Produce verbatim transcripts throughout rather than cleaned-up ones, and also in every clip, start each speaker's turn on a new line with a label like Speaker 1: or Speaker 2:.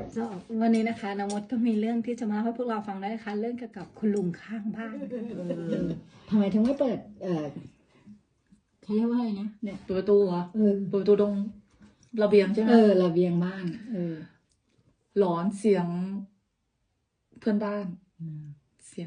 Speaker 1: ก็วันนี้นะคะน้องมดก็มีเรื่องที่จะมาเล่าให้พวกเราฟังได้ค่ะเรื่องเกี่ยวกับคุณลุงข้างบ้านทำไมถึงไม่เปิดเออเขาเรียกว่าอะไรนะเนี่ย
Speaker 2: เปิดประตูเหรอ
Speaker 1: เออ
Speaker 2: เปิดประตูตรงระเบียงใช่ไหม
Speaker 1: เออระเบียงบ้าน เออ
Speaker 2: หลอนเสียงเพื่อนบ้าน เสียง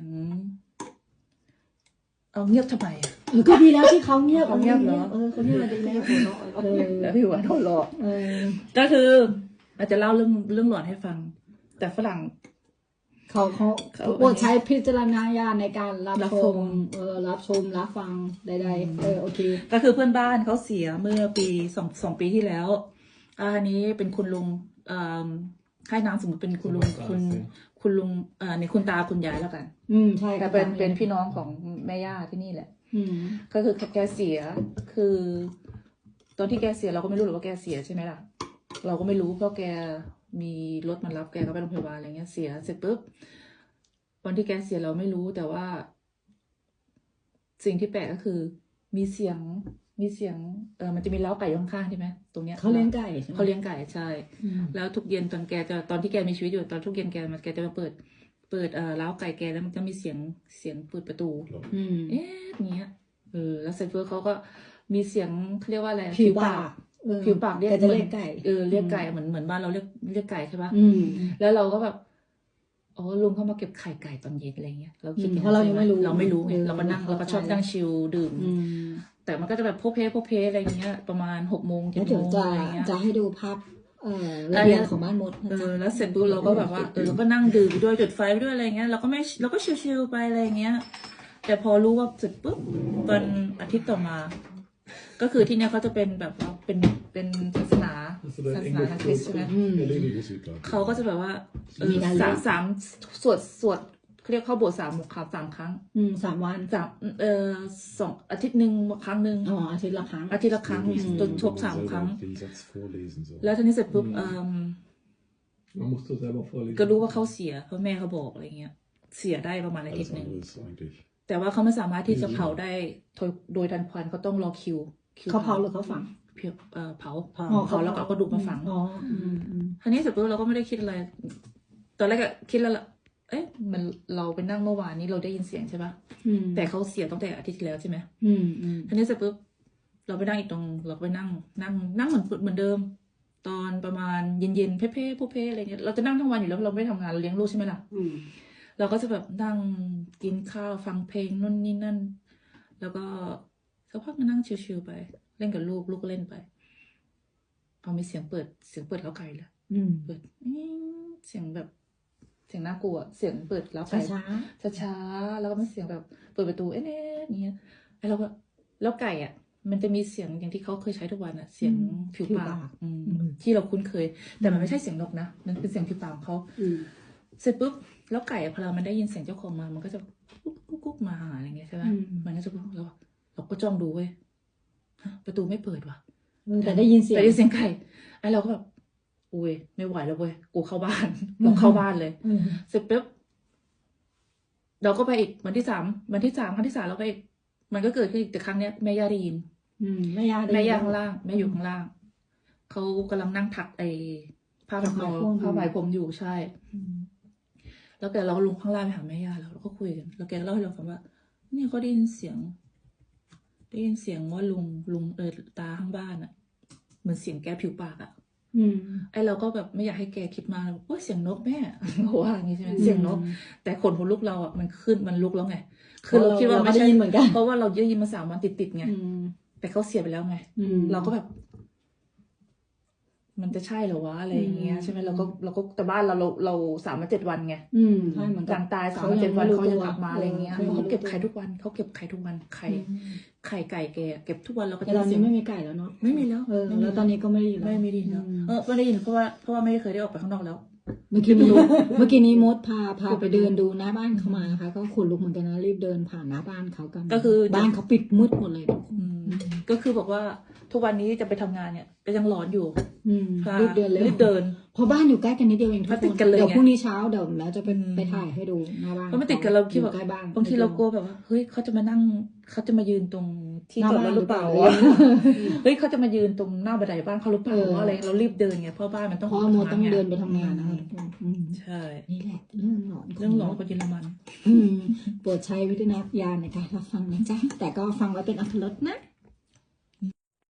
Speaker 2: เอาเงียบทำไมอะ
Speaker 1: เออก็ดีแล้วที่เขาเงียบ
Speaker 2: เขาเงียบเหรอ
Speaker 1: เออเขาเงียบดีแล้วเออ
Speaker 2: แล้วพี่หวานหัวเราะ
Speaker 1: เออ
Speaker 2: ก็คืออาจจะเล่าเรื่องเรื่องหลอนให้ฟัง แต่ฝรั่ง
Speaker 1: เขาเขา
Speaker 2: เขา
Speaker 1: โปรดใช้พิจารณญาณในการรับ
Speaker 2: รับ
Speaker 1: ช
Speaker 2: ช
Speaker 1: ม
Speaker 2: ม
Speaker 1: เออรับชมรับฟังใดๆเออโอเค
Speaker 2: ก็คือเพื่อนบ้านเขาเสียเมื่อปีสองสองปีที่แล้วอันนี้เป็นคุณลุงเอ่อให้นามสมมติเป็นคุณลุงคุณคุณลุงเอ่อในคุณตาคุณยายแล้วกัน
Speaker 1: อืมใช่
Speaker 2: แต่เป็นเป็นพี่น้องของแม่ย่าที่นี่แหละ
Speaker 1: อืม
Speaker 2: ก็คือแกเสียคือตอนที่แกเสียเราก็ไม่รู้หรอกว่าแกเสียใช่ไหมล่ะเราก็ไม่รู้เพราะแกมีรถมารับแกก็ไปโรงพยาบาลอะไรเงี้ยเสียเสร็จปุ๊บวันที่แกเสียเราไม่รู้แต่ว่า สิ่งที่แปลกก็คือ มีเสียงมีเสียงเออมันจะมีเล้าไก่อยู่ข้างๆใช่ไหมตรงเนี้ย
Speaker 1: เขาเลี้ยงไก่ใช่ไหม
Speaker 2: เขาเลี้ยงไก่ใช่
Speaker 1: อืม
Speaker 2: แล้วทุกเย็นตอนแกจะตอนที่แกมีชีวิตอยู่ตอนทุกเย็นแกมันแกจะมาเปิด เปิดเอ่อเล้าไก่แกแล้วมันจะมีเสียงเสียงเปิดประตู
Speaker 1: อืม
Speaker 2: เอ๊ะอย่างเงี้ยเออแล้วเสร็จปุ๊บเขาก็มีเสียงเขาเรียกว่าอะไร
Speaker 1: ผิวปากเออ
Speaker 2: ผิวปากเรียก
Speaker 1: แกจะเรียกไก่
Speaker 2: เออเรียกไก่เหมือนเหมือนบ้านเราเรียกเรียกไก่ใช่ปะ
Speaker 1: อืม
Speaker 2: แล้วเราก็แบบอ๋อลุงเข้ามาเก็บไข่ไก่ตอนเย็นอะไรเงี้ยเราคิด
Speaker 1: อืม
Speaker 2: อย่
Speaker 1: เพราะเรายังไม่รู้
Speaker 2: เราไม่รู้ไง
Speaker 1: เออ
Speaker 2: เราก็นั่ง
Speaker 1: เรา
Speaker 2: เราก็ชอบ
Speaker 1: เข้าใจ
Speaker 2: นั่งชิลดื่ม
Speaker 1: อืม
Speaker 2: แต่มันก็จะแบบโพเพโพเพอะไรเงี้ย ประมาณหกโมงเจ็
Speaker 1: แล้
Speaker 2: ด
Speaker 1: วเดี๋ยว
Speaker 2: โมง
Speaker 1: จะ
Speaker 2: อะไรเงี้ย
Speaker 1: จะให้ดูภาพเอ่อระเบียงของบ้านมดนะ
Speaker 2: เอ
Speaker 1: จ๊ะ
Speaker 2: อแล้วเสร็จปุ๊บเราก็แบบว่าเออเราก็นั่งดื่มไปด้วยจุดไฟไปด้วยอะไรเงี้ยเราก็ไม่เราก็ชิลๆไปอะไรเงี้ย แต่พอรู้ว่าเสร็จปุ๊บวันอาทิตย์ต่อมา ก็คือที่เนี้ยเขาจะเป็นแบบว่าเป็นเป็นศาสนาศาสนาคริสต์ใช่ไหม เขาก็จะแบบว่าเออสามสามสวดสวดเขาเรียกเข้าโบสถ์สามครั้งสามครั้ง
Speaker 1: อืมสามวัน
Speaker 2: สามเอ่อสองอาทิตย์หนึ่งครั้งหนึ่ง
Speaker 1: อ๋ออาทิตย์ละครั้ง
Speaker 2: อาทิตย์ละครั้งจนครบสามครั้ง
Speaker 3: แล้
Speaker 2: แล้ว วทีนี้เสร็จปุ๊บเออ
Speaker 3: Man musste selber vorlesen.
Speaker 2: ก็รู้ว่าเขาเสียเพราะแม่เขาบอกอะไรเงี้ย เสียได้ประมาณอาทิต
Speaker 3: Alles
Speaker 2: ย์หนึ่ง
Speaker 3: andere ist eigentlich.
Speaker 2: แต่ว่าเขาไม่สามารถที่จะเผาได้โดยโดยทันควันเขาต้องรอคิวคิว
Speaker 1: เขาเผาหรือเขาฝัง
Speaker 2: เผาเอ่อเผา
Speaker 1: อ๋อ
Speaker 2: เผาแล้วก็เอากระดูกมาฝัง
Speaker 1: อ๋ออืมอืม
Speaker 2: ทีนี้เสร็จปุ๊บเราก็ไม่ได้คิดอะไร ตอนแรกก็คิดแล้วล่ะ เอ๊ะ มันเราไปนั่งเมื่อวานนี้เราได้ยินเสียงใช่ปะ
Speaker 1: อืม
Speaker 2: แต่เขาเสียตั้งแต่อาทิตย์ที่แล้วใช่ไหม
Speaker 1: อืมอืม
Speaker 2: ทีนี้เสร็จปุ๊บ เราไปนั่งอีกตรง เราก็ไปนั่ง นั่ง นั่งเหมือนเหมือนเดิม ตอนประมาณเย็นๆ เพ่ๆผู้เพ่อะไรเงี้ย เราจะนั่งทั้งวันอยู่แล้วเราไม่ได้ทำงานเราเลี้ยงลูกใช่ไหมล่ะ
Speaker 1: อืม
Speaker 2: เราก็จะแบบนั่งกินข้าวฟังเพลงนู่นนี่นั่น แล้วก็สักพักก็นั่งชิลๆไป เล่นกับลูกลูกก็เล่นไปเอามีเสียงเปิดเสียงเปิดเล้าไก่เลย
Speaker 1: อืม
Speaker 2: เปิดอิ๊งเสียงแบบ เสียงน่ากลัวเสียงเปิดเล้าไก่
Speaker 1: ช้า
Speaker 2: ช้าๆแล้วก็มีเสียงแบบเปิดประตูเอ๊ะๆอย่างเงี้ยไอ้เราก็แล้วไก่อ่ะ มันจะมีเสียงอย่างที่เขาเคยใช้ทุกวันอ่ะ เสียงผิวปากอืมที่เราคุ้นเคย แต่มันไม่ใช่เสียงนกนะมันเป็นเสียงผิวปากของเขา
Speaker 1: ๆอืม
Speaker 2: เสร็จปุ๊บแล้วไก่อะพอเรามันได้ยินเสียงเจ้าของมา มันก็จะกุ๊กกุ๊กกุ๊กมาหาอะไรเงี้ยใช่ไหมมันก็จะกุ๊กเราเราก็จ้องดูเว้ยฮะประตูไม่เปิดว่ะ
Speaker 1: แต่ได้ยินเสียง
Speaker 2: แต่ได้ยินเสียงไก่ไอ้เราก็แบบอุ้ยไม่ไหวแล้วเว้ยกูเข้าบ้าน เราเข้าบ้านเลย
Speaker 1: อืม
Speaker 2: เสร็จปุ๊บเราก็ไปอีกวันที่สามวันที่สามครั้งที่สามเราไปอีกมันก็เกิดขึ้นอีกแต่ครั้งเนี้ยแม่ย่าได้ยิน
Speaker 1: อืมแม่ย่าได้
Speaker 2: แม่
Speaker 1: ยิน
Speaker 2: ย่าข้างล่างแม่อยู่ข้างล่างเขากำลังนั่งถักไอ้ผ้าพันคอ
Speaker 1: ผ้าไหมพรม
Speaker 2: ผ้าไหมพรมอยู่ใช่ แล้วแกเราก็ลงข้างล่างไปหาแม่ย่าแล้วเราก็คุยกัน แล้วแกก็เล่าให้เราฟังว่าเนี่ยเขาได้ยินเสียง ได้ยินเสียงว่าลุงลุงเออตาข้างบ้านอะเหมือนเสียงแกผิวปากอะ
Speaker 1: อืม
Speaker 2: ไอเราก็แบบไม่อยากให้แกคิดมาว่าเสียงนกแม่ เขาว่าอย่างนี้ใช่ไหมเสียงนก แต่ขนหัวลุกเราอะมันขึ้นมันลุกแล้วไง คือเราคิดว่าไม่
Speaker 1: ได้
Speaker 2: ใช่
Speaker 1: ยินเหมือนกัน
Speaker 2: เพราะว่าเราได้ยินมาสามวันติดๆไง
Speaker 1: อืม
Speaker 2: แต่เขาเสียไปแล้วไง
Speaker 1: อืม
Speaker 2: เราก็แบบ มันจะใช่เหรอวะอะไรอย่างเงี้ย
Speaker 1: อืม
Speaker 2: ใช่ไหมเราก็เราก็แต่บ้านเราเราเราสามวันเจ็ดวันไง
Speaker 1: อืมใช่เหมือน
Speaker 2: ห
Speaker 1: กั
Speaker 2: ลั
Speaker 1: น
Speaker 2: งตายสามวันเจ็ดวันเขาจะกลับมาอะไรเงี้ย
Speaker 1: ออ
Speaker 2: เขาเก็บไข่ทุกวันเขาเก็บไข่ทุกวันไข่
Speaker 1: อืม
Speaker 2: ไข่ไก่แกเก็บทุกวันเราก็
Speaker 1: แต่
Speaker 2: จะ
Speaker 1: ตอน
Speaker 2: เสี
Speaker 1: นี้
Speaker 2: ยง
Speaker 1: ไม่มีไก่แล้วเนาะ
Speaker 2: ไม่มีแล้ว
Speaker 1: เออ
Speaker 2: ไม่มี
Speaker 1: แล้วตอนนี้ก็ไม่ได้ยินแล้ว
Speaker 2: ไม่ไม่ได้ยินแล้ว
Speaker 1: อืม
Speaker 2: เออไม่ได้ยินเพราะว่าเพราะว่าไม่เคยได้ออกไปข้างนอกแล้ว
Speaker 1: เมื่อกี้นี้ เมื่อกี้นี้มดพาพาไปเดินดูหน้าบ้านเขามานะคะ ก็ขนลุกเหมือนกันนะรีบเดินผ่านหน้าบ้านเขากัน
Speaker 2: ก็คือ
Speaker 1: บ้านเขาปิดมืดหมดเลย
Speaker 2: อืมก็คือบอกว่าทุกวันนี้จะไปทำงานเนี่ยก็ยังหลอนอยู่
Speaker 1: อืม
Speaker 2: ค่ะ
Speaker 1: รีบเดินเลย
Speaker 2: รีบเดิน
Speaker 1: เพราะบ้านอยู่ใกล้กันนิดเดียวเองทุก
Speaker 2: มา
Speaker 1: ค
Speaker 2: ติด
Speaker 1: น
Speaker 2: กันเลย
Speaker 1: เดี๋ยว
Speaker 2: ไง
Speaker 1: พรุ่งนี้เช้าเดี๋ยวแล้วจะไป
Speaker 2: อืม
Speaker 1: ไปถ่ายให้ดูหน้าบ้าน
Speaker 2: เพราะมันติดกันเราคิด
Speaker 1: อ
Speaker 2: แบ
Speaker 1: ยู่
Speaker 2: บ
Speaker 1: ใกล้บ้าน
Speaker 2: บางทีเรากลัวแบบว่าเฮ้ยเขาจะมานั่งเขาจะมายืนตรงที่
Speaker 1: หน้า
Speaker 2: จอดร
Speaker 1: บ้าน
Speaker 2: ถหรือเปล่า
Speaker 1: หรือเปล่า
Speaker 2: วะเฮ้ยเขาจะมายืนตรงหน้าบันไดบ้านเขาหรือเปล่า
Speaker 1: เออ
Speaker 2: วะอะไรเรารีบเดินไงเพราะบ้านมันต้อง
Speaker 1: เพราะว่าโมต้อง
Speaker 2: ทำงา
Speaker 1: เดินไปทำงานนะคะทุกคนอืม
Speaker 2: ใช่
Speaker 1: นี่แหละเรื่องหลอน
Speaker 2: เรื่องหลอนคนเยอรมัน
Speaker 1: อืมโปรดใช้วิจารณญาณในการรับฟังนะจ๊ะแต่ก็ฟังไว้เป็นอรรถรสนะ